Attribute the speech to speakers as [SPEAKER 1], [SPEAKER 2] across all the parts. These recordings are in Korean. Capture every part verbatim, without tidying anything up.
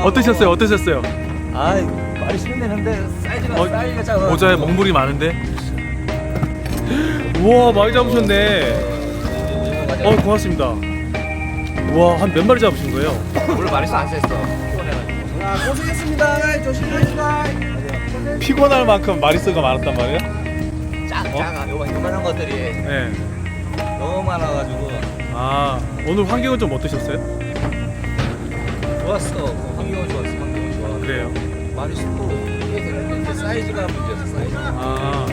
[SPEAKER 1] 어떠셨어요? 어떠셨어요?
[SPEAKER 2] 아, 말이 힘드는데 사이즈가
[SPEAKER 1] 어,
[SPEAKER 2] 사이즈가 작아.
[SPEAKER 1] 모자에 먹물이 많은데. 우와, 많이 잡으셨네. 어, 고맙습니다. 우와, 한 몇 마리 잡으신 거예요?
[SPEAKER 2] 오늘 말이 안 셌어. 피곤해가지고. 아, 고생했습니다. 조심하시다.
[SPEAKER 1] 피곤할 만큼 마리수가 많았단 말이에요?
[SPEAKER 2] 작,
[SPEAKER 1] 어?
[SPEAKER 2] 작아. 요만 요만한 것들이
[SPEAKER 1] 네.
[SPEAKER 2] 너무 많아가지고
[SPEAKER 1] 아, 오늘 환경은 좀 어떠셨어요?
[SPEAKER 2] 좋았어. 환경은 좋았어. 환경은 좋아.
[SPEAKER 1] 그래요.
[SPEAKER 2] 말이 쉽고 이게 되는데 이제 사이즈가 문제였어. 사이즈.
[SPEAKER 1] 아,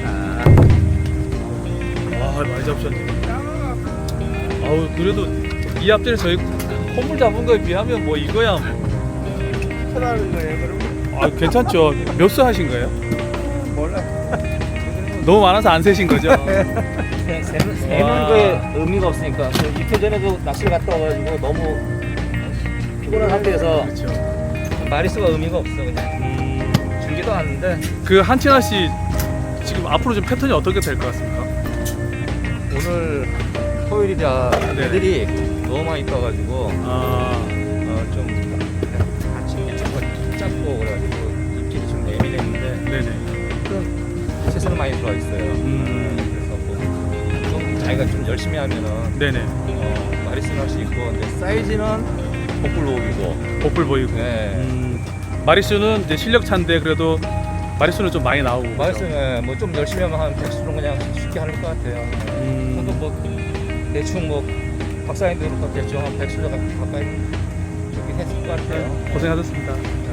[SPEAKER 1] 와, 많이 잡으셨네. 아우, 그래도 이 앞뒤를 저희 콧물 잡은 거에 비하면 뭐 이거야 뭐.
[SPEAKER 2] 편하는 거예요, 그럼?
[SPEAKER 1] 아, 괜찮죠. 몇 수 하신 거예요?
[SPEAKER 2] 몰라.
[SPEAKER 1] 너무 많아서 안 세신 거죠?
[SPEAKER 2] 그냥 세는 세는 거에 의미가 없으니까. 그 이틀 전에도 낚시를 갔다 와가지고 너무 피곤한 상태에서
[SPEAKER 1] 그렇죠.
[SPEAKER 2] 마리수가 의미가 없어 그냥.
[SPEAKER 1] 음,
[SPEAKER 2] 줄지도 않는데
[SPEAKER 1] 그 한친아 씨 지금 앞으로 좀 패턴이 어떻게 될 것 같습니까?
[SPEAKER 2] 오늘 토요일이라
[SPEAKER 1] 네.
[SPEAKER 2] 애들이 너무 많이 떠가지고
[SPEAKER 1] 아,
[SPEAKER 2] 어, 좀 아침에 잡고 잡고 그래가지고 입질이 좀 예민했는데
[SPEAKER 1] 네네.
[SPEAKER 2] 좀 채소는 많이 들어와 있어요.
[SPEAKER 1] 음,
[SPEAKER 2] 그래서 뭐좀 자기가 좀 열심히 하면은
[SPEAKER 1] 네네.
[SPEAKER 2] 어, 마리수는 할 수 있고 근데 사이즈는 복불복이고.
[SPEAKER 1] 복불 보이고.
[SPEAKER 2] 네.
[SPEAKER 1] 음, 마리수는 이제 실력 차인데 그래도 마리수는 좀 많이 나오고.
[SPEAKER 2] 마리수는 뭐 좀 열심히 하면 한 백수는 그냥 쉽게 하는 것 같아요.
[SPEAKER 1] 음,
[SPEAKER 2] 저도 뭐 대충 뭐 박사님들부터 대충 한 백수 가까이 저기 했을 것 같아요.
[SPEAKER 1] 고생하셨습니다.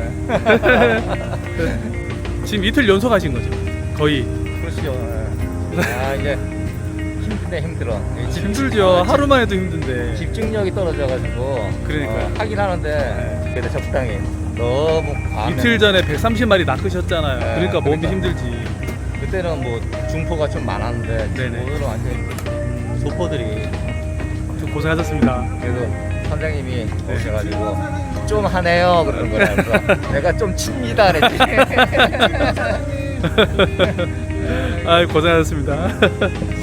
[SPEAKER 2] 네.
[SPEAKER 1] 지금 이틀 연속하신 거죠? 거의.
[SPEAKER 2] 그렇죠. 네. 아 이제 힘든데 힘들어. 집-
[SPEAKER 1] 힘들죠.
[SPEAKER 2] 아,
[SPEAKER 1] 하루만 해도 힘든데.
[SPEAKER 2] 집중력이 떨어져가지고
[SPEAKER 1] 그러니까요.
[SPEAKER 2] 어, 하긴 하는데 그래도 적당히 너무 과하면
[SPEAKER 1] 이틀 전에 백삼십 마리 낚으셨잖아요.
[SPEAKER 2] 네,
[SPEAKER 1] 그러니까 몸이
[SPEAKER 2] 그러니까.
[SPEAKER 1] 힘들지.
[SPEAKER 2] 그때는 뭐 중포가 좀 많았는데
[SPEAKER 1] 네네.
[SPEAKER 2] 오늘은 완전 소포들이.
[SPEAKER 1] 좀 고생하셨습니다.
[SPEAKER 2] 그래도 선장님이 오셔가지고 좀 하네요 그러는 거야. 그래서 내가 좀 칩니다 그랬지.
[SPEAKER 1] 아, 고생하셨습니다.